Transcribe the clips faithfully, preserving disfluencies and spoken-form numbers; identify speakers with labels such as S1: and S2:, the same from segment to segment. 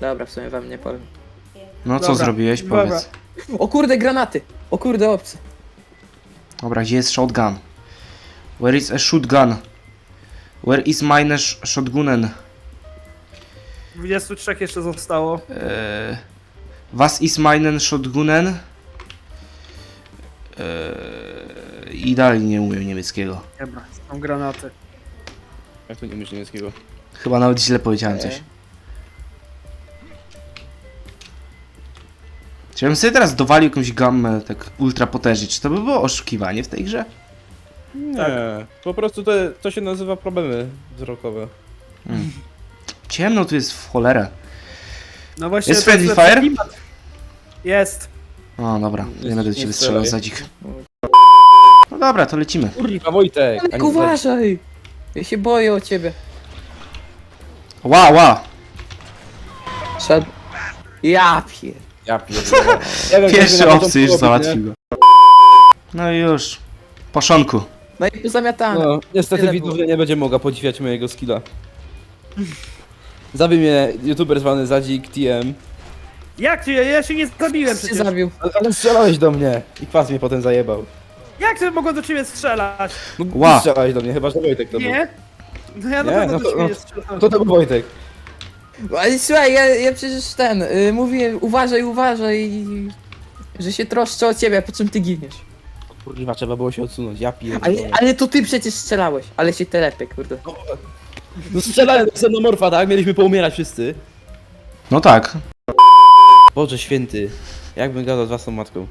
S1: Dobra, w sumie wam nie powiem.
S2: No co
S3: Dobra,
S2: zrobiłeś?
S3: dobra.
S2: Powiedz.
S1: O kurde, granaty! O kurde, obcy.
S2: Dobra, gdzie jest shotgun? Where is a shotgun? Where is mine sh shotgunen?
S3: dwudziestu trzech jeszcze zostało.
S2: Eee, was is meinen shotgunen? Eee, I dalej nie umiem niemieckiego.
S3: Dobra, są granaty.
S4: Jak to nie umiesz niemieckiego?
S2: Chyba nawet źle powiedziałem coś.
S1: Eee.
S2: Czy ja bym sobie teraz dowalił jakąś gammę tak ultra potężnie? Czy to by było oszukiwanie w tej grze?
S4: Nie,
S3: Tak.
S4: po prostu to, to się nazywa problemy wzrokowe.
S2: Hmm. Ciemno tu jest w cholerę.
S3: No właśnie.
S2: Jest
S3: to
S2: friendly
S3: lepszy
S2: fire?
S3: klimat. Jest.
S2: O, dobra, nie
S4: Nie-
S2: będę do
S4: nie
S2: ciebie
S4: strzelaj.
S2: strzelał, zadzik. No dobra, to lecimy.
S4: Kurwa, Wojtek! a
S1: Ale
S4: nie
S1: uważaj! Ja się boję o ciebie.
S2: Ła, ła!
S1: Szedł. Ja pier...
S4: Ja pierdolę. Ja wiem,
S2: Pierwszy
S4: jak na
S2: obcy już
S4: początku robić,
S2: załatwił go. No i już. Poszonku.
S1: No i pozamiatane.
S4: nie? No, niestety
S1: Tyle
S4: widownia
S1: było.
S4: nie będzie mogła podziwiać mojego skilla. Zabij mnie youtuber zwany Zadzik T M.
S3: Jak cię? Ja się nie zabiłem
S1: się
S3: przecież.
S1: zabił.
S4: Ale, ale strzelałeś do mnie i kwas mnie potem zajebał.
S3: Jak ty mogłem do ciebie strzelać?
S4: No,
S2: Ła.
S4: ty strzelałeś do mnie, chyba że Wojtek to był.
S3: Nie? No ja na
S4: Nie,
S3: pewno
S4: no
S3: do
S4: to-
S3: ciebie
S4: no.
S3: nie strzelałem.
S4: To to był Wojtek.
S1: Ale słuchaj, ja, ja przecież ten, y, mówię uważaj, uważaj, że się troszczę o ciebie, po czym ty giniesz.
S4: Kurwa, trzeba było się odsunąć, ja
S1: Ale,
S4: pierdolę.
S1: ale to ty przecież strzelałeś, ale się telepie, kurde.
S4: No strzelałem do xenomorfa, tak? Mieliśmy poumierać wszyscy.
S2: No tak.
S4: Boże święty. Jakbym gadał z własną matką.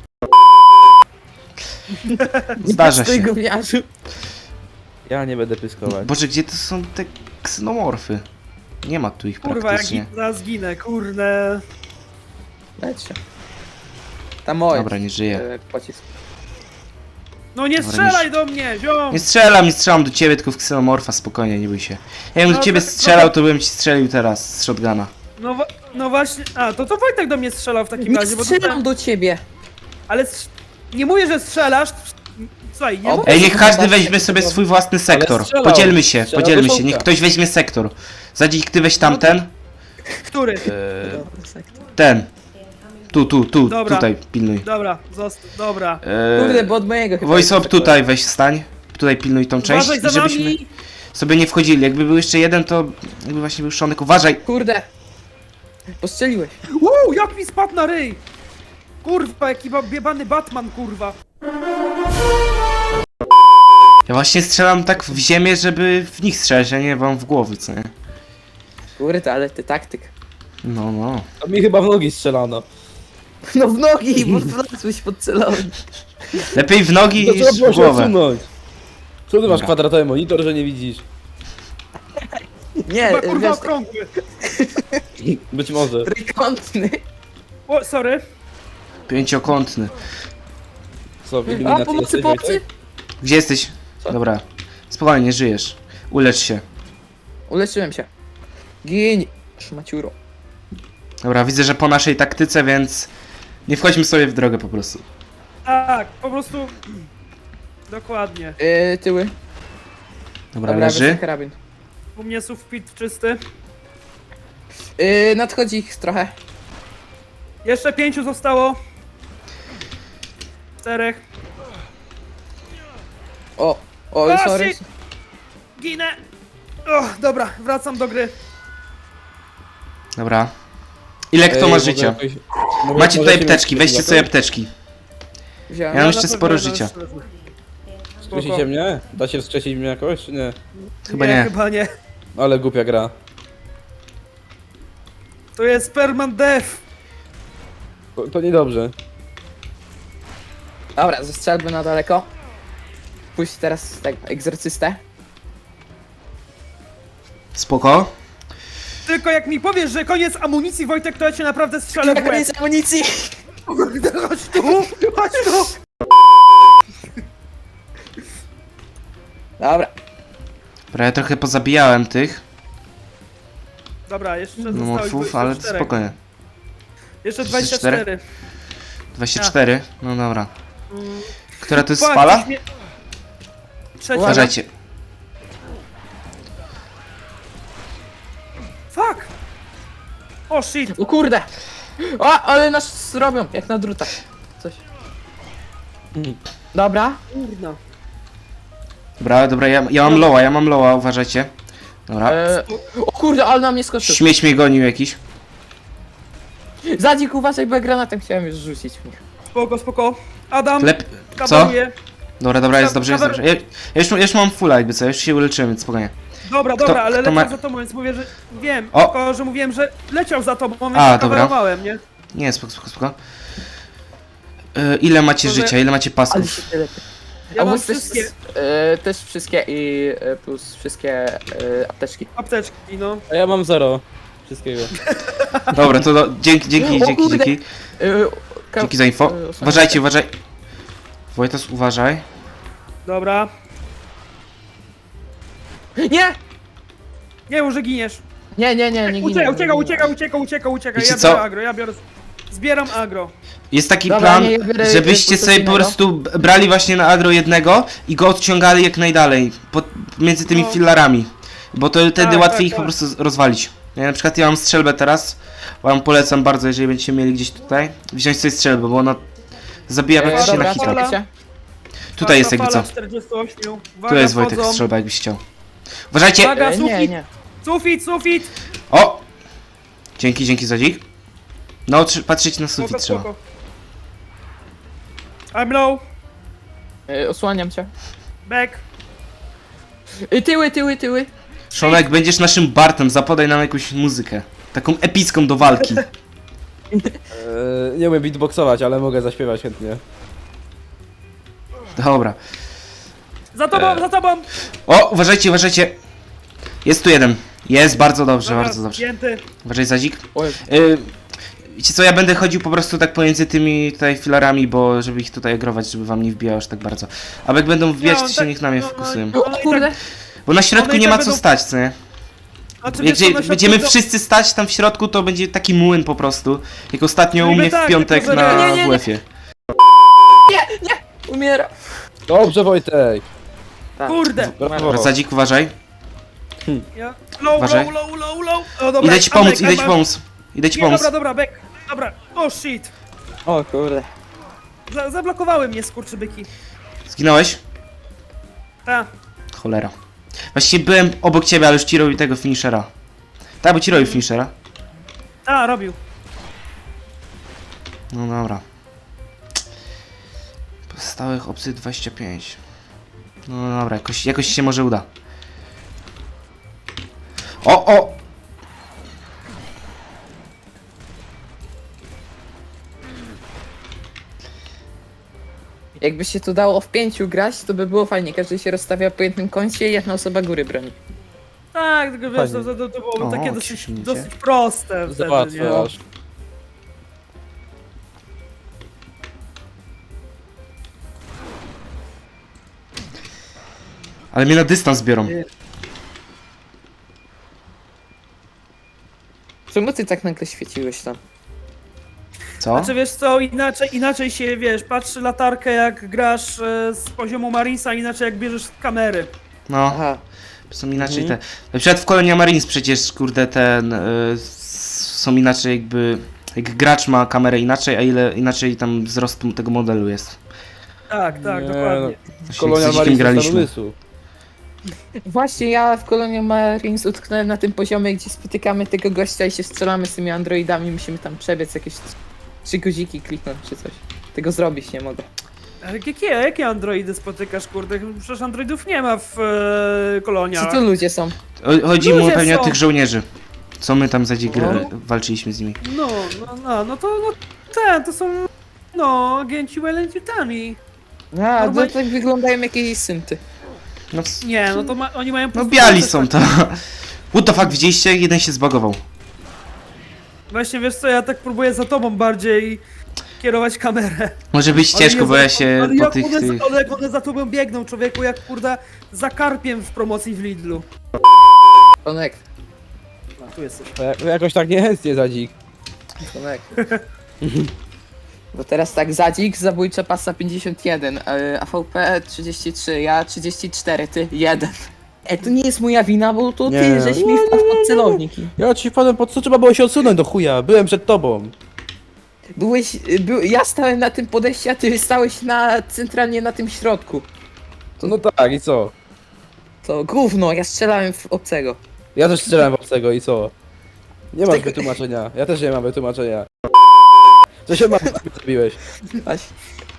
S2: Zdarza
S1: Stój,
S2: się.
S1: gówniarzu.
S4: Ja nie będę pyskować.
S2: Boże, gdzie to są te ksenomorfy? Nie ma tu ich
S3: Kurwa, jak
S2: praktycznie.
S3: zaraz zginę, kurde.
S1: Leć się. Tam moje.
S2: Dobra, nie żyję.
S1: e, Pocisk.
S3: No nie
S2: Dobra,
S3: strzelaj
S2: nie-
S3: do mnie, ziom!
S2: Nie strzelam, nie strzelam do ciebie, tylko w ksenomorfa, spokojnie, nie bój się. Jakbym
S3: No
S2: do ciebie
S3: tak-
S2: strzelał, to bym ci strzelił teraz z shotguna.
S3: No, wa- no właśnie, a to to Wojtek do mnie strzelał w takim
S1: Nie
S3: razie, bo
S1: strzelam
S3: to,
S1: do ciebie.
S3: ale strz- nie mówię, że strzelasz. Słuchaj, nie
S1: O,
S3: mówię,
S2: Ej,
S3: że-
S2: niech każdy weźmie sobie swój własny sektor.
S4: strzelał.
S2: Podzielmy się,
S4: Strzelał
S2: podzielmy
S4: do
S2: się, niech
S4: Szonka.
S2: ktoś weźmie sektor. Zadzik, ty weź tamten.
S3: Który?
S1: Dobra, sektor.
S2: Ten. Tu, tu, tu,
S3: Dobra.
S2: tutaj pilnuj.
S3: Dobra, zostaw, dobra.
S1: Kurde,
S2: Eee,
S1: bo od mojego chyba.
S2: Voice
S1: jest
S2: up tutaj weź stań. Tutaj pilnuj tą część,
S3: Uważaj za
S2: żebyśmy
S3: nami!
S2: sobie nie wchodzili. Jakby był jeszcze jeden, to jakby właśnie był Szonek. Uważaj!
S1: Kurde. Postrzeliłeś.
S3: Uuu, jak mi spadł na ryj! Kurwa, jaki ba- biebany Batman, kurwa.
S2: Ja właśnie strzelam tak w ziemię, żeby w nich strzelać, a nie wam w głowy, co nie?
S1: Kurde, ale ty taktyk.
S2: No, no.
S4: A mi chyba w nogi strzelano.
S1: No w nogi, bo wlazłeś pod celownik.
S2: Lepiej w nogi
S4: To
S2: niż
S4: trzeba było
S2: w
S4: się
S2: głowę.
S4: odsunąć. Co ty masz
S2: Dobra.
S4: kwadratowy monitor, że nie widzisz?
S1: Nie,
S3: Chyba kurwa
S1: wiesz,
S3: okrągły.
S4: Być może.
S1: trójkątny.
S3: O, sorry.
S2: Pięciokątny.
S4: Co, w
S1: A,
S4: iluminacji
S1: pomocy,
S4: jesteś,
S1: pomocy!
S4: Wojtek?
S2: Gdzie jesteś?
S1: Co?
S2: Dobra. Spokojnie, nie żyjesz. Ulecz się.
S1: Uleczyłem się. Gin. Szmaciuro.
S2: Dobra, widzę, że po naszej taktyce, więc nie wchodźmy sobie w drogę po prostu.
S3: Tak, po prostu... Dokładnie.
S1: Yy, tyły.
S2: Dobra,
S1: Dobra,
S2: leży.
S1: wezmę karabin.
S3: U mnie sufit czysty.
S1: Yy, nadchodzi ich trochę.
S3: Jeszcze pięciu zostało. Czterech.
S1: O, o,
S3: O,
S1: sorry.
S3: shit! Ginę! O, dobra, wracam do gry.
S2: Dobra. Ile kto
S4: Ej,
S2: ma
S4: mogę
S2: życia?
S4: jakoś- mogę-
S2: Macie tutaj
S4: możecie
S2: apteczki,
S4: mnie
S2: weźcie
S4: jakoś?
S2: sobie apteczki.
S1: Wziąłem.
S2: Ja mam
S3: na
S2: jeszcze
S3: pewno
S2: sporo
S3: jeden
S2: życia.
S3: strzelny.
S4: Skrzesicie mnie? Da się wskrzesić mnie jakoś, czy nie?
S2: Chyba
S3: nie,
S2: nie.
S3: chyba nie.
S4: Ale głupia gra.
S3: To jest permanent death.
S4: To, to niedobrze.
S1: Dobra, zestrzelby na daleko. Puść teraz tak, egzorcystę.
S2: Spoko.
S3: Tylko jak mi powiesz, że koniec amunicji, Wojtek, to ja cię naprawdę strzelę w łeb.
S1: Koniec amunicji!
S3: Kurde, chodź tu, chodź tu.
S1: Dobra.
S2: Dobra, ja trochę pozabijałem tych
S3: Dobra, jeszcze zostało ich
S2: nomorfów,
S3: dwadzieścia
S2: ale
S3: cztery.
S2: spokojnie.
S3: Jeszcze
S2: dwadzieścia
S3: dwadzieścia
S2: cztery?
S3: cztery.
S2: dwadzieścia cztery? No dobra.
S3: Mm.
S2: Która to jest
S3: Fuck,
S2: fala?
S3: coś mnie- Trzecia.
S2: Uważajcie.
S3: Fuck! O shit!
S1: O kurde! O, ale nas zrobią, jak na drutach. Coś. Dobra.
S3: Kurna.
S2: Dobra, dobra, ja, ja mam loła, ja mam loła, uważajcie. Dobra.
S1: E, o kurde, ale na mnie skoczył.
S2: Śmieć mnie gonił jakiś.
S1: Zadzik, uważaj, bo ja granatem chciałem już rzucić w nich.
S3: Spoko, spoko. Adam,
S2: Lep... Co?
S3: kawaluję.
S2: Dobra, dobra, jest dobrze, jest
S3: Kawa-
S2: dobrze. Ja, ja, już, ja już mam fulla jakby co, już się uleczyłem, więc spokojnie.
S3: Dobra,
S2: Kto-
S3: dobra, ale
S2: kto
S3: leciał
S2: ma-
S3: za tobą, więc mówię, że wiem.
S2: O!
S3: Tylko, że mówiłem, że leciał za tobą, więc
S2: A,
S3: A,
S2: dobra.
S3: kawałowałem, nie?
S2: Nie, spoko, spoko, spoko. Yy, ile macie
S3: Może-
S2: życia, ile macie
S1: Ale
S2: pasków?
S1: się tyle.
S3: Ja
S1: A
S3: mam
S1: was też,
S3: wszystkie
S1: e, też wszystkie i e, plus wszystkie e, apteczki.
S3: apteczki, no.
S4: A ja mam zero. Wszystkiego.
S2: Dobra, to do, dzięki, dzięki,
S1: O
S2: dzięki,
S1: kurde.
S2: dzięki.
S1: E, ka-
S2: Dzięki za info.
S1: e, osłaniam
S2: Uważajcie,
S1: się.
S2: uważaj. Wojtas, uważaj.
S3: Dobra.
S1: Nie!
S3: Nie, może giniesz.
S1: Nie, nie, nie, nie ginę.
S3: Ucieka,
S1: nie
S3: ucieka,
S1: ginę.
S3: ucieka, ucieka, ucieka, ucieka.
S2: Wiecie
S3: Ja
S2: co?
S3: biorę agro, ja biorę... Zbieram agro.
S2: Jest taki
S1: Dobra,
S2: plan,
S1: nie, ja biorę
S2: żebyście sobie po
S1: innego.
S2: prostu b- brali właśnie na agro jednego i go odciągali jak najdalej, pod, między tymi
S3: No.
S2: filarami. Bo to wtedy
S3: Tak,
S2: łatwiej
S3: tak,
S2: ich po
S3: tak.
S2: prostu z- rozwalić. Ja na przykład ja mam strzelbę teraz, wam polecam bardzo, jeżeli będziecie mieli gdzieś tutaj, wziąć sobie strzelbę, bo ona zabija
S1: E,
S2: praktycznie
S1: dobra,
S2: na hita.
S3: fala.
S1: czekajcie.
S2: Tutaj jest jakby
S3: Fala
S2: co.
S3: czterdzieści osiem. Uwaga,
S2: Tu jest Wojtek
S3: wchodzą.
S2: strzelba, jakbyś chciał. Uważajcie!
S3: Uwaga,
S1: E, nie,
S3: sufit,
S1: nie.
S3: sufit, sufit.
S2: O! Dzięki, dzięki Zadzik. No, tr- patrzeć na
S3: Spoko,
S2: sufit trzeba.
S3: spoko. I'm low.
S1: E, osłaniam cię.
S3: Back.
S1: E, tyły, tyły, tyły.
S2: Szonek, będziesz naszym Bartem, zapodaj nam jakąś muzykę. Taką epicką do walki.
S4: Eee, nie umiem beatboxować, ale mogę zaśpiewać chętnie.
S2: Dobra.
S3: Za tobą,
S2: E.
S3: za tobą.
S2: O, uważajcie, uważajcie. Jest tu jeden. Jest, bardzo dobrze,
S3: Dobra,
S2: bardzo dobrze.
S3: zdjęty.
S2: Uważaj, Zadzik.
S1: Oj,
S2: Yy, wiecie co, ja będę chodził po prostu tak pomiędzy tymi tutaj filarami, bo żeby ich tutaj agrować, żeby wam nie wbijało aż tak bardzo. A jak będą wbijać,
S3: on
S2: to się
S3: tak-
S2: niech na mnie
S3: no, no,
S2: fokusują.
S3: no.
S1: o kurde.
S2: Bo na środku
S3: one i
S2: nie
S3: tak
S2: ma co
S3: będą-
S2: stać, co nie?
S3: Znaczy,
S2: Jak
S3: wiesz co,
S2: gdzie,
S3: na środku
S2: będziemy
S3: to-
S2: wszyscy stać tam w środku, to będzie taki młyn po prostu. Jak ostatnio u
S3: Niby
S2: mnie w
S3: tak,
S2: piątek
S3: tylko że-
S2: na
S1: Nie, nie, nie.
S2: W F-ie.
S1: Umiera.
S4: Dobrze, Wojtek!
S1: Tak.
S3: Kurde.
S4: Brawo.
S2: Zadzik, uważaj.
S3: Ja... Low,
S2: Uważaj.
S3: low, low, low, low. O, dobra,
S2: Idę ci
S3: I'm
S2: pomóc,
S3: back,
S2: idę
S3: I'm
S2: ci
S3: back.
S2: pomóc. Idę ci
S3: Nie,
S2: pomóc.
S3: dobra, dobra, back. Dobra. O, shit.
S1: O kurde.
S3: Za zablokowały mnie skurczybyki.
S2: Zginąłeś?
S3: Ta.
S2: Cholera. Właściwie byłem obok ciebie, ale już ci robił tego finishera. Tak, bo ci robił finishera.
S3: A, robił.
S2: No dobra. Pozostałych opcji dwadzieścia pięć. No dobra, jakoś, jakoś się może uda. O, o!
S1: Jakby się to dało w pięciu grać, to by było fajnie. Każdy się rozstawia po jednym kącie i jedna osoba góry broni.
S3: Tak, tylko wiesz,
S4: Fajnie.
S3: to, to, to było
S2: O,
S3: takie
S2: ci
S3: dosyć,
S2: śmiecie.
S3: dosyć proste wtedy, nie?
S4: Załatwiasz.
S2: Ale mnie na dystans biorą.
S1: Czemu ty tak nagle świeciłeś tam?
S2: Co?
S3: Znaczy wiesz co, inaczej, inaczej się, wiesz, patrzy latarkę jak grasz e, z poziomu Marinesa, inaczej jak bierzesz kamery.
S2: No,
S1: Aha.
S2: są inaczej
S4: Mhm.
S2: te... Na przykład w Colonia Marines przecież, kurde, ten... Y, s- są inaczej jakby... Jak gracz ma kamerę inaczej, a ile inaczej tam wzrost tego modelu jest.
S3: Tak, tak,
S4: Nie,
S3: dokładnie.
S2: Właśnie
S4: Kolonia
S2: z Zadzikiem
S4: Marines
S2: graliśmy.
S4: umysłu.
S1: Właśnie ja w Colonial Marines utknąłem na tym poziomie, gdzie spotykamy tego gościa i się strzelamy z tymi androidami. Musimy tam przebiec jakieś trzy guziki kliknąć czy coś. Tego zrobić nie mogę.
S3: Ale jakie, jakie androidy spotykasz, kurde? Przecież androidów nie ma w e,
S1: Co
S3: koloniach.
S1: to ludzie są?
S2: O- Chodzi mu
S3: Ludzie
S2: pewnie
S3: są.
S2: o tych żołnierzy. Co my tam za dzik
S1: No.
S2: walczyliśmy z nimi.
S3: No, no, no, no to, no, ten, to są, no, agenci Wellingtoni.
S1: A, to
S3: Normalnie-
S1: tak wyglądają jakieś synty.
S2: No, c-
S3: Nie, no to ma, oni mają... po
S2: no
S3: prostu
S2: biali
S3: te-
S2: są to. What the fuck, widzieliście? Jeden się zbagował.
S3: Właśnie, wiesz co, ja tak próbuję za tobą bardziej kierować kamerę.
S2: Może być
S3: Ale
S2: ciężko,
S3: Jezu,
S2: bo ja się
S3: ale
S2: po
S3: jak
S2: tych...
S3: one,
S2: tych...
S3: ale jak one za tobą biegną, człowieku, jak kurde za karpiem w promocji w Lidlu.
S1: Connect,
S3: A, tu jesteś.
S4: Ja- Jakoś tak niechętnie, Zadzik.
S1: connect. Bo teraz tak, Zadzik, zabójcza pasa pięćdziesiąt jeden, e, A V P trzydzieści trzy, ja trzydzieści cztery, ty jeden. E, to nie jest moja wina, bo to
S4: Nie.
S1: ty, żeś mi wpadł pod celownik. i-
S4: Ja ci wpadłem pod co trzeba było się odsunąć do chuja, byłem przed tobą.
S1: Byłeś, był, ja stałem na tym podejściu, a ty stałeś na, centralnie na tym środku.
S4: No tak, i co?
S1: To gówno, ja strzelałem w obcego.
S4: Ja też strzelałem w obcego i co? Nie masz
S1: Tego-
S4: wytłumaczenia, ja też nie mam wytłumaczenia. Co się ma, zrobiłeś?
S1: Właśnie.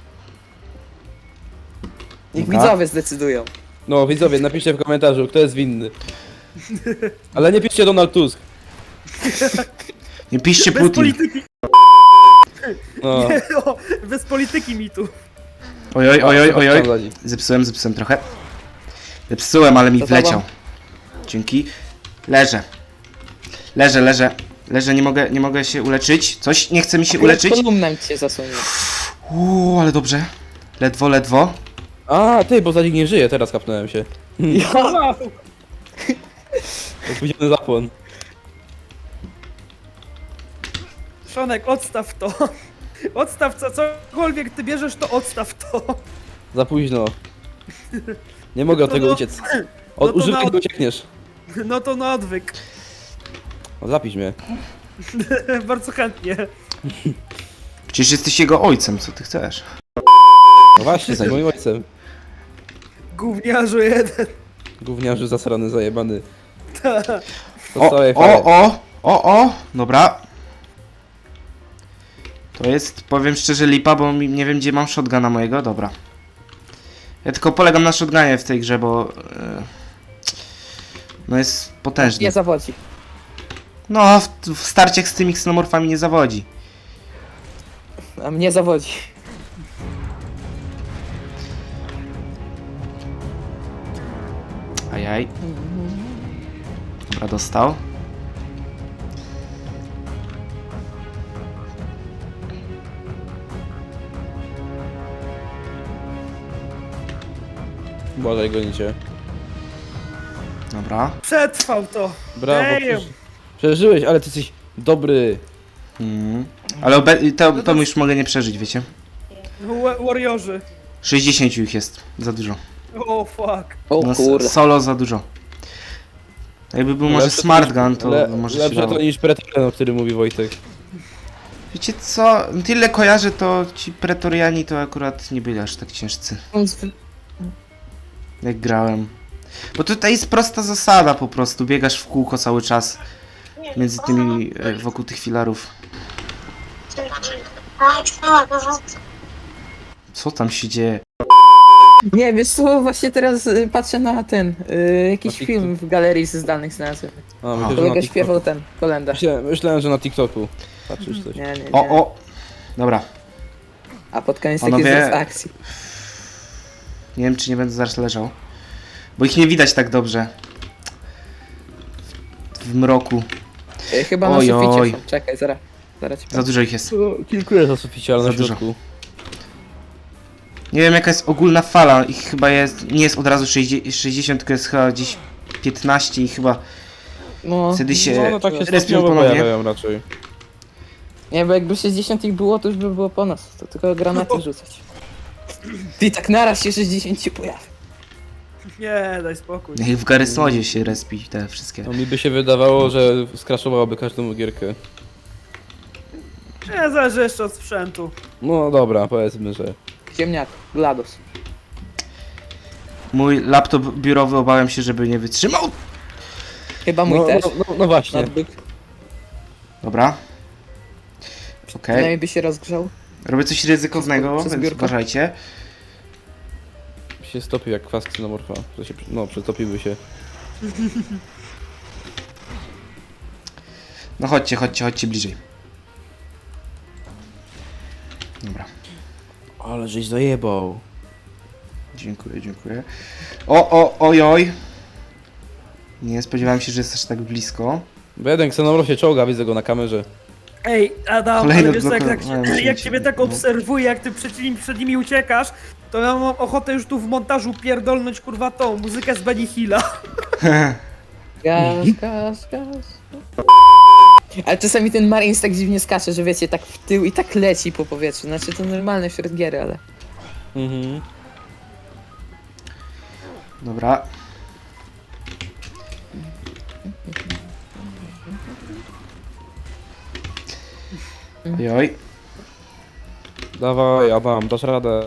S1: Niech
S2: Dobra.
S1: widzowie zdecydują.
S4: No widzowie, napiszcie w komentarzu, kto jest winny. Ale nie piszcie Donald Tusk.
S2: Nie piszcie
S3: Bez
S2: Putin.
S3: polityki,
S4: No.
S3: nie, o, bez polityki mi tu.
S2: Ojoj, ojoj, ojoj.
S4: Tam zadzi.
S2: Zepsułem, zepsułem trochę. Zepsułem, ale mi
S1: To
S2: wleciał.
S1: tobą.
S2: Dzięki. Leżę. Leżę, leżę. Leżę, nie mogę, nie mogę się uleczyć. Coś nie chce mi się uleczyć.
S1: Kolumnem cię zasłonił.
S2: Uuu, ale dobrze. Ledwo, ledwo.
S4: A, ty, bo Zadzik nie żyje, teraz kapnąłem się.
S3: Wow.
S4: Opóźniony zapłon.
S3: Szonek, odstaw to. Odstaw co, cokolwiek ty bierzesz, to odstaw to.
S4: Za późno. Nie mogę od
S3: No
S4: tego
S3: no.
S4: uciec. Od
S3: No to
S4: używki
S3: na-
S4: nie uciekniesz.
S3: No to na odwyk.
S4: O, zapisz mnie.
S3: Bardzo chętnie.
S2: Przecież jesteś jego ojcem, co ty chcesz?
S4: No właśnie, jesteś moim ojcem.
S3: Gówniarzu jeden.
S4: Gówniarzu zasrany, zajebany. To
S2: O,
S4: całej
S2: o,
S4: fale.
S2: o, o, o, dobra. To jest, powiem szczerze, lipa, bo mi, nie wiem, gdzie mam shotguna mojego, dobra. Ja tylko polegam na shotgunie w tej grze, bo... e, no jest potężny.
S1: Nie zawodzi.
S2: No, w, w starciach z tymi ksenomorfami nie zawodzi.
S1: A mnie zawodzi.
S2: Ajaj. Dobra, dostał.
S4: Błażej, gonicie.
S2: Dobra.
S3: Przetrwał to.
S4: Brawo,
S3: Damn.
S4: przeż- przeżyłeś, ale ty jesteś dobry.
S2: Mhm. Ale obe- to, to już mogę nie przeżyć, wiecie?
S3: Wa- Warriorzy.
S2: sześćdziesiąt ich jest. Za dużo.
S3: O fuck.
S1: O
S2: No, s-
S1: kurde.
S2: solo za dużo. Jakby był może
S4: Lepsze
S2: smart
S4: niż-
S2: gun, to
S4: le,
S2: może się
S4: lepsze
S2: dało.
S4: to niż Pretorian, o którym mówi Wojtek.
S2: Wiecie co? Tyle kojarzę, to ci pretoriani to akurat nie byli aż tak ciężcy, jak grałem. Bo tutaj jest prosta zasada po prostu, biegasz w kółko cały czas między tymi, e, wokół tych filarów. Co tam się dzieje?
S1: Nie, wiesz co, właśnie teraz y, patrzę na ten, y, jakiś
S4: Na TikTok.
S1: film w galerii z danych znalazłem.
S4: A, myślę, że na
S1: Kolega
S4: TikToku.
S1: śpiewał ten, kolenda.
S4: Myślałem, myślałem, że na TikToku. Patrzysz coś.
S1: Nie, nie, nie.
S2: O, o! Dobra,
S1: A pod koniec taki
S2: Panowie-
S1: wzrost akcji.
S2: nie wiem czy nie będę zaraz leżał. Bo ich nie widać tak dobrze. W, w mroku.
S1: Y, Chyba na
S2: Oj,
S1: suficie
S2: oj.
S1: są. Czekaj, zaraz. Zaraz ci
S2: Za
S1: powiem.
S2: dużo ich jest.
S4: No, kilku jest na suficie, ale
S2: Za
S4: na
S2: dużo.
S4: środku.
S2: Nie wiem jaka jest ogólna fala, ich chyba jest, nie jest od razu sześćdziesiąt, sześćdziesiąt tylko jest chyba gdzieś piętnaście i chyba
S1: No,
S2: wtedy się
S4: No, no tak się
S2: respią
S4: stopniowo
S2: ponownie.
S4: pojawiają raczej.
S1: nie, bo jakby sześćdziesiąt ich było, to już by było po nas. To tylko granaty rzucać. Ty tak naraz się sześćdziesiąt ci pojawi.
S3: Nie, daj spokój.
S2: Niech w Garrysonie się respi te wszystkie.
S4: No mi by się wydawało, że skraszowałoby każdą gierkę.
S3: Nie, zależy jeszcze od sprzętu.
S4: No dobra, powiedzmy, że...
S1: Ziemniak, GLaDOS.
S2: Mój laptop biurowy obawiam się, żeby nie wytrzymał.
S1: Chyba mój
S4: No,
S1: też.
S4: no, no, no właśnie.
S1: Notebook.
S2: Dobra. Okej.
S1: Przynajmniej by się rozgrzał.
S2: Robię coś ryzykownego,
S1: Przez
S2: więc
S1: biurko?
S2: uważajcie.
S4: Się stopił jak kwas ksenomorfa. To się, no, przetopiłby się.
S2: No chodźcie, chodźcie, chodźcie bliżej. Dobra.
S4: Ale żeś zajebał.
S2: Dziękuję, dziękuję. O, o, ojoj. Nie spodziewałem się, że jest aż tak blisko.
S4: Bo jeden ksenomorf się czołga, widzę go na kamerze.
S3: Ej, Adam,
S2: Kolejny
S3: ale wiesz co, jak,
S2: blok-
S3: jak,
S2: no, muszę
S3: jak
S2: mieć-
S3: ciebie tak
S2: no.
S3: obserwuję, jak ty przed nimi, przed nimi uciekasz, to ja mam ochotę już tu w montażu pierdolnąć kurwa tą muzykę z Benny Hilla.
S1: Gaz, gaz, gaz. Ale czasami ten Marines tak dziwnie skacze, że wiecie, tak w tył i tak leci po powietrzu. Znaczy to normalne wśród gier, ale...
S4: Mhm.
S2: Dobra. Ojoj.
S4: Dawaj, Adam, dasz radę.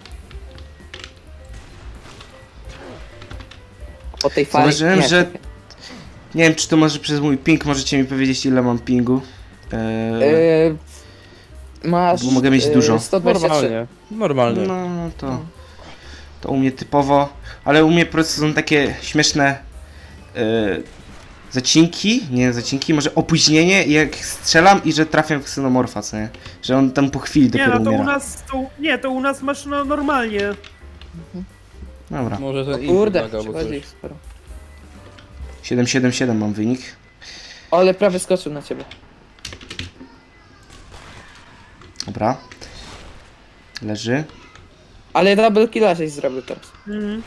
S1: Po tej fali.
S2: Zauważyłem,
S1: nie,
S2: że-
S1: czekaj.
S2: Nie wiem, czy to może przez mój ping, możecie mi powiedzieć, ile mam pingu. Eee,
S1: Yy, masz.
S2: Bo mogę mieć
S1: yy,
S2: dużo.
S1: sto dwadzieścia trzy.
S4: Normalnie. Normalnie.
S2: no, no to... To u mnie typowo, ale u mnie po prostu są takie śmieszne e, zacinki, nie zacinki, może opóźnienie, jak strzelam i że trafiam w ksenomorfa, co nie? Że on tam po chwili
S3: Nie,
S2: dopiero
S3: no to
S2: umiera.
S3: u nas, to, nie, to u nas masz no, normalnie.
S2: Dobra,
S4: Może ten inny
S1: Kurde,
S4: naga, bo
S1: przychodzi
S4: coś.
S1: ich sporo.
S2: siedem siedem siedem mam wynik.
S1: Ale prawie skoczył na ciebie.
S2: Dobra. Leży.
S1: Ale double killa żeś zrobił teraz.
S3: Mhm.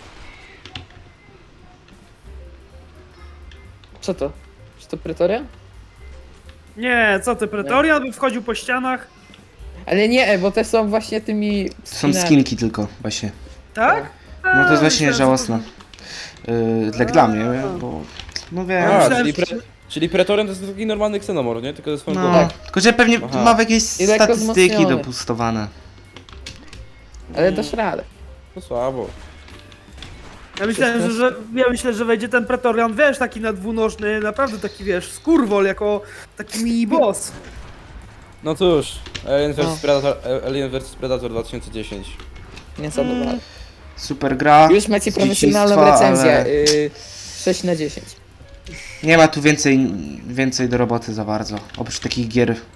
S1: Co to? Czy to Pretoria?
S3: Nie, co ty, Pretorian by wchodził po ścianach?
S1: Ale nie, bo te są właśnie tymi.
S2: To są
S1: skinami.
S2: skinki tylko, właśnie.
S3: Tak?
S2: No to jest właśnie
S3: myślałem, że
S2: żałosne. Yy, dla, dla mnie,
S3: A.
S2: bo... No wiem.
S3: Ja
S4: A,
S3: myślałem,
S4: czyli, pre,
S3: że-
S4: czyli Pretorian to jest taki normalny ksenomor, nie? Tylko ze swoją
S2: No,
S4: głową.
S2: tylko że pewnie
S4: Aha.
S2: ma jakieś
S1: I lekko
S2: statystyki
S1: wzmocniony.
S2: dopustowane.
S1: Ale dasz radę.
S4: To słabo.
S3: Ja myślałem, że, że, ja myślę, że wejdzie ten Pretorian, wiesz, taki na dwunożny, naprawdę taki, wiesz, skurwol, jako taki mini boss.
S4: No cóż, Alien
S1: No.
S4: versus. Predator, Alien versus. Predator dwa tysiące dziesięć.
S1: Nie zadowolę.
S2: Super gra.
S1: Już macie
S2: z
S1: profesjonalną
S2: dzieciństwa,
S1: recenzję.
S2: ale
S1: Yy, sześć na dziesięć.
S2: Nie ma tu więcej, więcej do roboty za bardzo. Oprócz takich gier yy,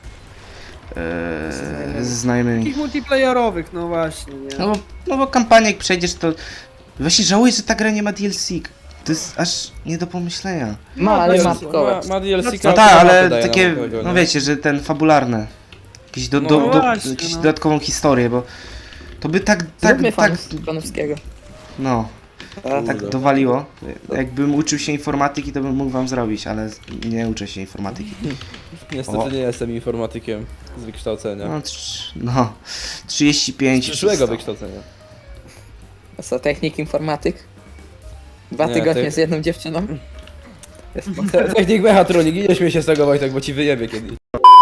S2: ze znajomymi.
S3: Takich multiplayerowych, no właśnie, nie?
S2: No bo, no bo kampanię jak przejdziesz to... Właśnie żałuję, że ta gra nie ma D L C. To jest aż nie do pomyślenia.
S1: Ma, ale ma
S4: ma,
S1: tylko.
S4: ma D L C.
S2: No tak, ale takie, no wiecie, że ten fabularny. Jakieś do, do,
S4: No
S2: do,
S3: właśnie,
S2: jakąś
S3: no.
S2: dodatkową historię, bo to by tak, tak,
S1: Zróbmy
S2: tak,
S1: fanów Panowskiego.
S2: no,
S1: A,
S2: tak
S4: Kurde.
S2: dowaliło. Jakbym uczył się informatyki, to bym mógł wam zrobić, ale nie uczę się informatyki.
S4: Niestety
S2: O.
S4: nie jestem informatykiem z wykształcenia.
S2: No, trz- no trzydzieści pięć.
S4: Z przyszłego
S2: czysto.
S4: wykształcenia.
S1: A co, technik informatyk? Dwa
S4: Nie,
S1: tygodnie
S4: ty-
S1: z jedną dziewczyną? Jest potem.
S4: Technik mechatroniki, nie śmiej się z tego, Wojtek, bo ci wyjebie kiedyś.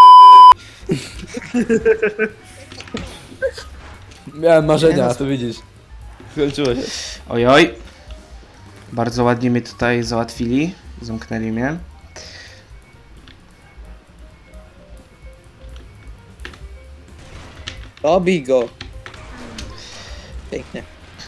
S4: Miałem marzenia, a tu widzisz. Skończyło się.
S2: Ojoj. Bardzo ładnie mnie tutaj załatwili. Zamknęli mnie.
S1: Dobij go. Pięknie.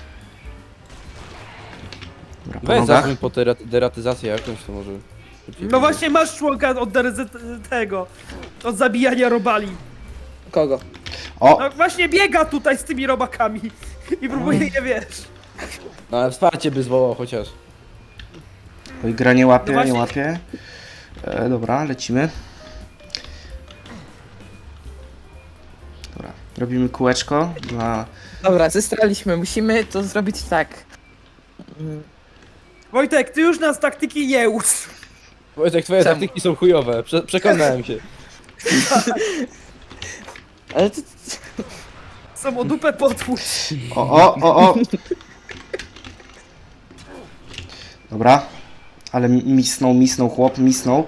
S2: Dobra, po
S4: Weź
S2: nogach.
S4: zadzwoń po tera- deratyzację jakąś, to może...
S3: No właśnie masz członka od deryzy- tego, od zabijania robali.
S1: Kogo?
S2: O!
S3: No właśnie biega tutaj z tymi robakami i próbuje je, wiesz.
S4: No ale wsparcie by zwołał chociaż.
S2: Oj, gra nie łapie,
S3: No właśnie-
S2: nie łapie. E, dobra, lecimy. Dobra, robimy kółeczko dla...
S1: Dobra, zestraliśmy. Musimy to zrobić tak. Mm,
S3: Wojtek, ty już nas taktyki nie ucz.
S4: Wojtek, twoje
S1: Czemu?
S4: taktyki są chujowe, Prze przekonałem się.
S1: Ale to...
S3: Są o dupę potłucz.
S2: O, o, o, o! Dobra. Ale misnął, misnął chłop, misnął.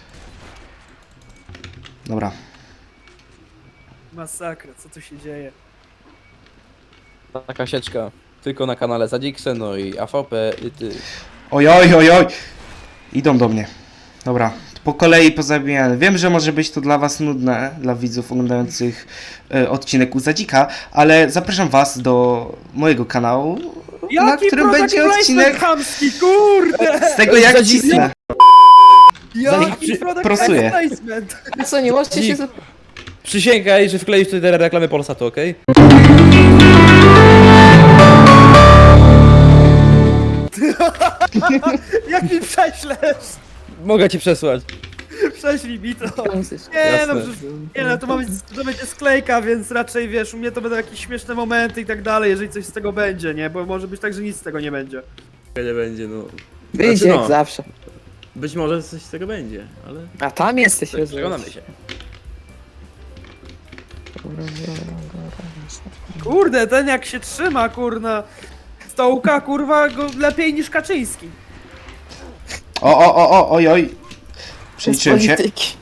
S2: Dobra.
S3: Masakra, co tu się dzieje?
S4: Taka sieczka. Tylko na kanale Zadzikse, no i A V P i ty.
S2: Ojoj, ojoj! Idą do mnie. Dobra, po kolei pozabijane. Wiem, że może być to dla was nudne, dla widzów oglądających e, odcinek u Zadzika, ale zapraszam was do mojego kanału, na
S3: Jaki
S2: którym
S3: product
S2: będzie
S3: placement
S2: odcinek
S3: chamski, kurde!
S2: z tego jak
S4: Zadzika.
S2: cisnę.
S3: Jaki product
S2: prosuję.
S3: placement!
S1: A co, nie możecie się...
S4: Dzik.
S1: za-
S4: Przysięgaj, że wkleisz tutaj te reklamy Polsatu, okej?
S3: Jak mi prześlesz?
S4: Mogę ci przesłać.
S3: Prześlij mi to.
S1: Komunistyczny.
S3: Nie no,
S4: Jasne.
S3: przecież, nie no, to ma być, to będzie sklejka, więc raczej wiesz, u mnie to będą jakieś śmieszne momenty i tak dalej, jeżeli coś z tego będzie, nie? Bo może być tak, że nic z tego nie będzie.
S5: Nie będzie, no.
S1: Wyjdzie
S5: Znaczy,
S1: jak
S5: no.
S1: zawsze.
S5: Być może coś z tego będzie, ale
S1: A tam jesteś, Jezu.
S5: przekonamy się.
S3: Kurde, ten jak się trzyma, kurna, stołka, kurwa, go lepiej niż Kaczyński.
S2: O, o, o, o, ojoj. Przeliczyłem się.
S1: polityki.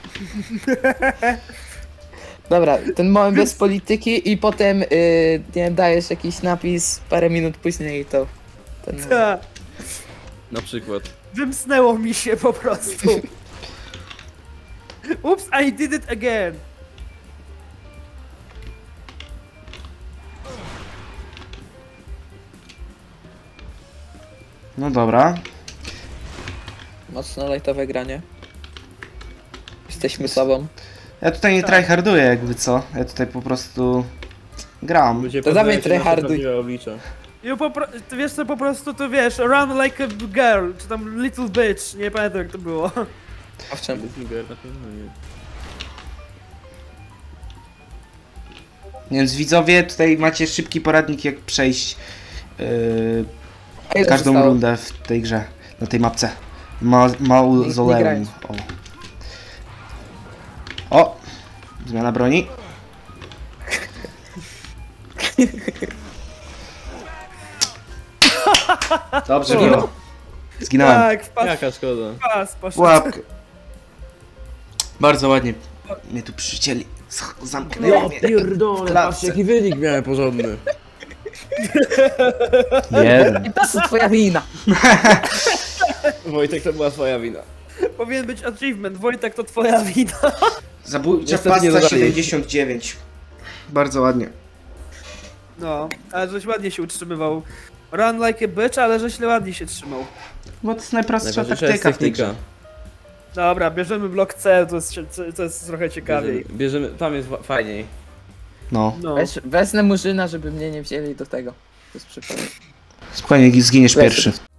S1: Dobra, ten moment bez polityki i potem yy, nie wiem, dajesz jakiś napis parę minut później i to... Ten moment.
S3: Ta.
S4: Na przykład.
S3: Wymsnęło mi się po prostu. Oops, I did it again.
S2: No dobra.
S1: Mocno lightowe granie. Jesteśmy sobą.
S2: Ja tutaj nie tryharduję jakby co. Ja tutaj po prostu gram.
S5: Ludzie
S1: To dawaj
S5: poznają się na
S1: tryharduj.
S5: prawdziwe oblicza.
S3: I po, pro- ty wiesz co, po prostu to wiesz, run like a girl, czy tam little bitch, nie pamiętam jak to było.
S1: Owszem.
S5: Finger na pewno nie.
S2: Więc widzowie, tutaj macie szybki poradnik jak przejść yy,
S1: A ile
S2: każdą
S1: zostało?
S2: rundę w tej grze, na tej mapce. Ma
S1: Nie
S2: Mauzoleum.
S1: grając.
S2: O. O! Zmiana broni. Dobrze było. Zginąłem.
S3: Tak, wpadł
S5: Jaka szkoda.
S3: pas, poszedł.
S2: Łapkę. Bardzo ładnie mnie tu przycięli. Zamknęli
S5: Ja
S2: mnie.
S5: pierdolę,
S2: klatce.
S5: patrzcie jaki wynik miałem porządny.
S2: Jeden.
S1: To jest twoja wina.
S4: Wojtek, to była twoja wina.
S3: Powinien być achievement, Wojtek to twoja wina.
S2: Zabójcza
S4: Niestety nie
S2: pasta
S4: dodali.
S2: siedemdziesiąt dziewięć. Bardzo ładnie.
S3: No, ale żeś ładnie się utrzymywał. Run like a bitch, ale żeś ładnie się trzymał.
S2: Bo to jest najprostsza
S5: Najważniejsza jest
S2: taktyka w tej grze.
S5: technika.
S3: Dobra, bierzemy blok C, to jest, to jest trochę ciekawiej.
S5: Bierzemy, bierzemy, tam jest wa- fajniej.
S2: No.
S3: No.
S1: Weź, wezmę murzyna, żeby mnie nie wzięli do tego. To jest przypadek.
S2: Spokojnie, zginiesz
S1: Lecę.
S2: pierwszy.